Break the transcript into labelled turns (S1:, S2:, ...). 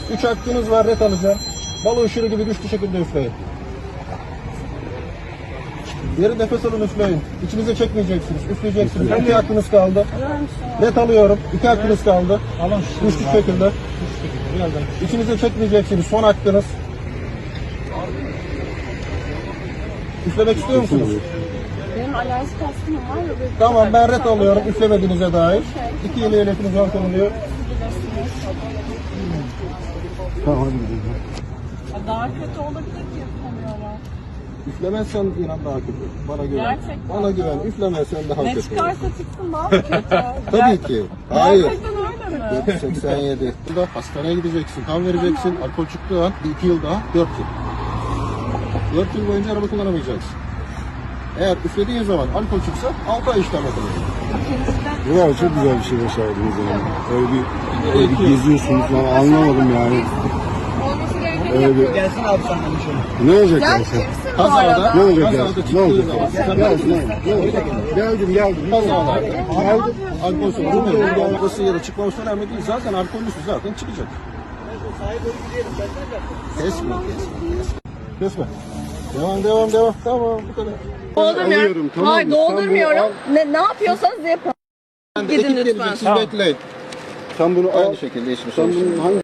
S1: 3 hakkınız var, ret alacağım. Balo ışırı gibi güçlü şekilde üfleyin. Derin nefes alın, üfleyin. İçinize çekmeyeceksiniz, üfleyeceksiniz. 2 hakkınız kaldı. Ret alıyorum. 2 hakkınız kaldı. Güçlü şekilde. İçinize çekmeyeceksiniz. Son hakkınız. Üflemek istiyor musunuz?
S2: Benim alerjik astımım var ya.
S1: Tamam, ben ret alıyorum üflemediğinize dair. 2 yıl ehliyetiniz var konuluyor.
S3: Tamam hadi gidelim.
S2: Daha kötü olabilir ki yapamıyorlar.
S1: Üflemezsen inan daha kötü. Bana güven.
S2: Gerçekten.
S1: Bana güven. Üflemezsen daha
S2: Ne
S1: kötü.
S2: çıkarsa çıksın daha mı kötü?
S1: Tabii ki. Hayır.
S2: Gerçekten öyle mi?
S1: 87. Burada hastaneye gideceksin, kan vereceksin. Alkol çıktığı an 2 yıl daha 4 yıl. 4 yıl boyunca araba kullanamayacaksın. Eğer üflediğin zaman alkol çıksa 6 ay işlem yapılacak.
S3: Bravo, çok güzel bir şey başardınız yani. Öyle bir geziyorsunuz falan, anlamadım yani.
S2: Olması gerekeni
S3: Öyle bir...
S4: Gelsin abi senden bir şey.
S3: Ne olacak
S2: Sen
S3: yani sen?
S2: kimsin bu
S1: Kazada,
S2: arada?
S3: Ne olacak
S1: kazada
S3: yani?
S1: çıktığı
S3: Ne olacak
S1: zaman.
S3: yani? Geldim.
S1: Kazalarda. Alkol sorunu olması ya da çıkmaması önemli değil. Zaten alkollüsü zaten çıkacak. Kesme. Kesme. Devam. Tamam, bu kadar.
S3: Alıyorum, tamam mı?
S2: Hayır,
S3: Sen bunu
S2: doldurmuyorum.
S3: al.
S2: Ne yapıyorsanız yapın.
S1: Ben de
S2: Gidin
S1: ekip
S2: lütfen.
S1: gelecek, siz bekleyin.
S3: Sen bunu al.
S1: Aynı şekilde hiçbir
S3: Sen
S1: şey.
S3: bunun hangi